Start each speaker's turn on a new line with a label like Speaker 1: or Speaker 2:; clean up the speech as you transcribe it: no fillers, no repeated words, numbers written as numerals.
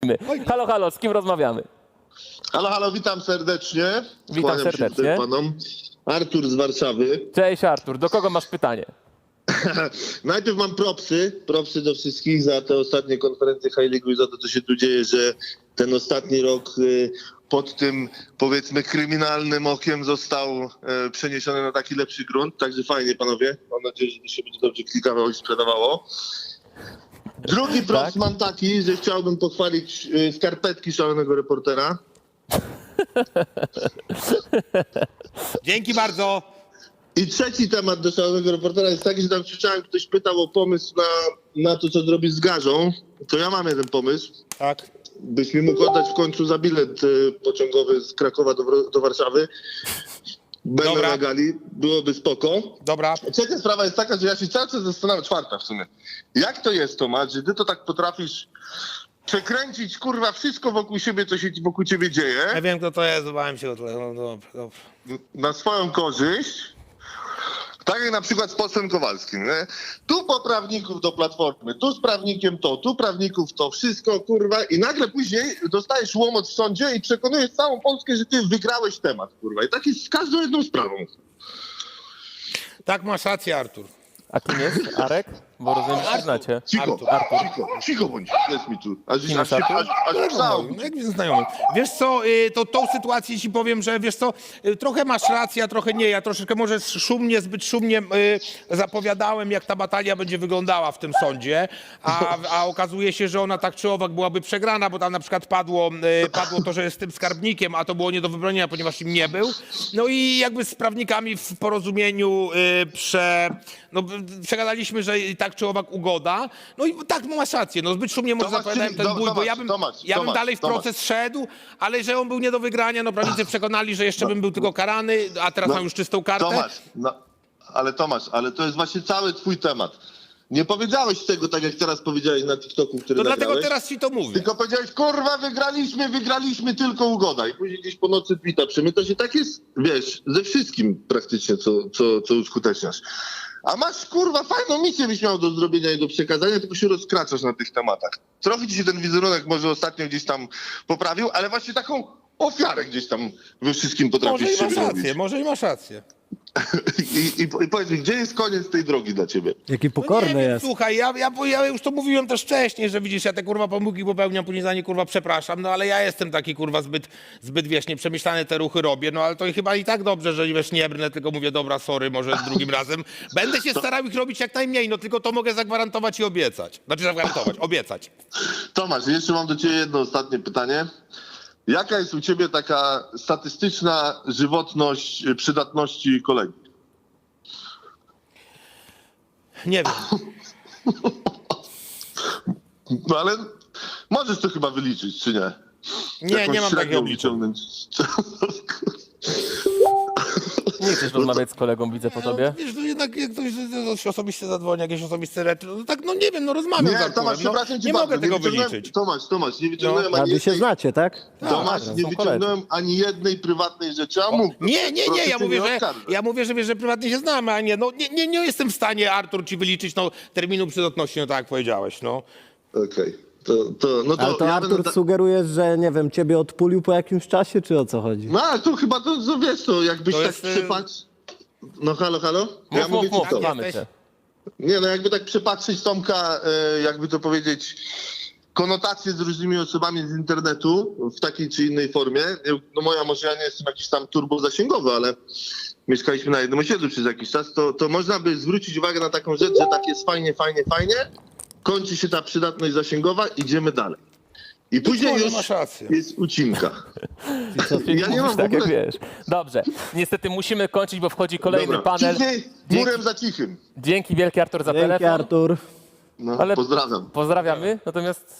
Speaker 1: Lecimy. Halo, halo, z kim rozmawiamy?
Speaker 2: Halo, halo, witam serdecznie.
Speaker 1: Witam
Speaker 2: Kłaniam się
Speaker 1: serdecznie.
Speaker 2: tutaj panom. Artur z Warszawy.
Speaker 1: Cześć Artur, do kogo masz pytanie?
Speaker 2: Najpierw mam propsy do wszystkich za te ostatnie konferencje High League i za to, co się tu dzieje, że ten ostatni rok pod tym, powiedzmy, kryminalnym okiem został przeniesiony na taki lepszy grunt. Także fajnie, panowie. Mam nadzieję, że to się będzie dobrze klikało i sprzedawało. Drugi props
Speaker 1: Tak?
Speaker 2: mam taki, że chciałbym pochwalić skarpetki szalonego reportera.
Speaker 3: Dzięki bardzo.
Speaker 2: I trzeci temat do szalonego reportera jest taki, że tam słyszałem, ktoś pytał o pomysł na to, co zrobić z garzą. To ja mam jeden pomysł.
Speaker 3: Tak.
Speaker 2: Byś mi mógł oddać w końcu za bilet pociągowy z Krakowa do Warszawy. Będę
Speaker 3: Dobra.
Speaker 2: na gali, byłoby spoko.
Speaker 3: Dobra.
Speaker 2: Trzecia sprawa jest taka, że ja się cały czas zastanawiam, czwarta w sumie. Jak to jest, Tomasz, że ty to tak potrafisz przekręcić, kurwa, wszystko wokół siebie, co się wokół ciebie dzieje,
Speaker 3: Ja wiem, kto to jest, bałem się o tyle. No, dobra.
Speaker 2: na swoją korzyść? Tak jak na przykład z posłem Kowalskim, nie? Tu po prawników do Platformy, tu z prawnikiem to, tu prawników to, wszystko, kurwa, i nagle później dostajesz łomot w sądzie i przekonujesz całą Polskę, że ty wygrałeś temat, kurwa. I tak jest z każdą jedną sprawą.
Speaker 3: Tak, masz rację, Artur.
Speaker 1: A kim jest Arek? Bo rozumiem, że się znacie.
Speaker 2: Cicho,
Speaker 3: Artur.
Speaker 2: cicho bądź, jest mi tu. Aż
Speaker 1: Kim jest
Speaker 2: się
Speaker 1: Artur?
Speaker 2: aż psało.
Speaker 3: No, jak znajomy. Wiesz co, to tą sytuację ci powiem, że wiesz co, trochę masz rację, a trochę nie. Ja troszeczkę może szumnie, zbyt szumnie zapowiadałem, jak ta batalia będzie wyglądała w tym sądzie, a okazuje się, że ona tak czy owak byłaby przegrana, bo tam na przykład padło to, że jest z tym skarbnikiem, a to było nie do wybronienia, ponieważ im nie był. No i jakby z prawnikami w porozumieniu przegadaliśmy, że i tak czy owak ugoda. No i tak, masz rację, no zbyt szumnie może
Speaker 2: Tomasz,
Speaker 3: zapowiadałem ten
Speaker 2: czyli-
Speaker 3: ból, bo ja bym
Speaker 2: Tomasz,
Speaker 3: dalej w proces szedł, ale że on był nie do wygrania, no prawnicy przekonali, że jeszcze bym był tylko karany, a teraz mam już czystą kartę.
Speaker 2: Tomasz, ale to jest właśnie cały twój temat. Nie powiedziałeś tego tak, jak teraz powiedziałeś na TikToku, który
Speaker 3: To
Speaker 2: nagrałeś.
Speaker 3: dlatego teraz ci to mówię.
Speaker 2: Tylko powiedziałeś, kurwa, wygraliśmy, tylko ugoda. I później gdzieś po nocy tweeta przemyta się. Tak jest, wiesz, ze wszystkim praktycznie, co uskuteczniasz. A masz, kurwa, fajną misję byś miał do zrobienia i do przekazania, tylko się rozkraczasz na tych tematach. Trochę ci się ten wizerunek może ostatnio gdzieś tam poprawił, ale właśnie taką ofiarę gdzieś tam we wszystkim potrafisz
Speaker 3: Może i masz
Speaker 2: siebie robić.
Speaker 3: rację, może i masz rację.
Speaker 2: I powiedz mi, gdzie jest koniec tej drogi dla ciebie?
Speaker 4: Jaki
Speaker 3: No
Speaker 4: pokorny
Speaker 3: nie wiem,
Speaker 4: jest.
Speaker 3: słuchaj, ja już to mówiłem też wcześniej, że widzisz, ja te kurwa pomyłki popełniam, później za nie kurwa przepraszam, no ale ja jestem taki kurwa zbyt wiesz, nieprzemyślane te ruchy robię, no ale to chyba i tak dobrze, że wiesz, nie brnę, tylko mówię, dobra, sorry, może drugim razem. Będę się starał ich robić jak najmniej, no tylko to mogę zagwarantować i obiecać. Znaczy zagwarantować, obiecać.
Speaker 2: Tomasz, jeszcze mam do ciebie jedno ostatnie pytanie. Jaka jest u ciebie taka statystyczna żywotność przydatności kolegi?
Speaker 3: Nie wiem.
Speaker 2: No ale możesz to chyba wyliczyć, czy nie?
Speaker 3: Nie, nie mam
Speaker 2: średnią
Speaker 3: takiego obliczenia.
Speaker 2: wyciągnąć.
Speaker 1: Nie chcesz rozmawiać z kolegą, widzę po tobie.
Speaker 3: No, wiesz, no jednak jak ktoś osobiście zadzwoni, jakieś osobiste rzeczy, no tak, no nie wiem, no rozmawiam z
Speaker 2: Nie,
Speaker 3: Arturem,
Speaker 2: Tomasz,
Speaker 3: no,
Speaker 2: przepraszam cię
Speaker 3: nie
Speaker 2: bardzo.
Speaker 3: mogę tego
Speaker 2: wyciągnąłem-
Speaker 3: wyliczyć.
Speaker 2: Tomasz, nie wyciągnąłem
Speaker 4: A
Speaker 2: ani
Speaker 4: wy się
Speaker 2: jednej...
Speaker 4: znacie, tak?
Speaker 2: Tomasz, nie
Speaker 1: są
Speaker 2: wyciągnąłem ani jednej prywatnej rzeczy, a mógł.
Speaker 3: Nie,
Speaker 2: Proszę
Speaker 3: ja
Speaker 2: cię
Speaker 3: mówię,
Speaker 2: nie
Speaker 3: że
Speaker 2: oskarżać.
Speaker 3: wiesz, że prywatnie się znamy, a nie, no nie jestem w stanie, Artur, ci wyliczyć no, terminu przydatności, no tak jak powiedziałeś, no.
Speaker 2: Okej. No
Speaker 4: Ale to
Speaker 2: ja
Speaker 4: Artur
Speaker 2: będę
Speaker 4: sugerujesz, że nie wiem, ciebie odpulił po jakimś czasie, czy o co chodzi?
Speaker 2: No ale to chyba to wiesz, to jakbyś
Speaker 3: To
Speaker 2: tak
Speaker 3: jest,
Speaker 2: przypatrz... No halo?
Speaker 1: Mów,
Speaker 2: ci to.
Speaker 1: słuchamy
Speaker 3: jesteś?
Speaker 1: cię.
Speaker 2: Nie, no jakby tak przepatrzeć Tomka, jakby to powiedzieć, konotacje z różnymi osobami z internetu w takiej czy innej formie. No może ja nie jestem jakiś tam turbo zasięgowy, ale mieszkaliśmy na jednym osiedlu przez jakiś czas, to można by zwrócić uwagę na taką rzecz, że tak jest fajnie, kończy się ta przydatność zasięgowa, idziemy dalej. I później
Speaker 3: może
Speaker 2: już
Speaker 3: masz rację.
Speaker 2: jest ucinka.
Speaker 1: Czyli
Speaker 2: Ja nie
Speaker 1: mówisz
Speaker 2: mam w
Speaker 1: tak, jak
Speaker 2: ogóle-
Speaker 1: wiesz. Dobrze, niestety musimy kończyć, bo wchodzi kolejny panel.
Speaker 2: Cichej, murem za cichym.
Speaker 1: Dzięki wielkie Artur za
Speaker 4: Dzięki,
Speaker 1: telefon.
Speaker 4: Artur.
Speaker 2: No,
Speaker 1: Ale-
Speaker 2: pozdrawiam.
Speaker 1: Pozdrawiamy, natomiast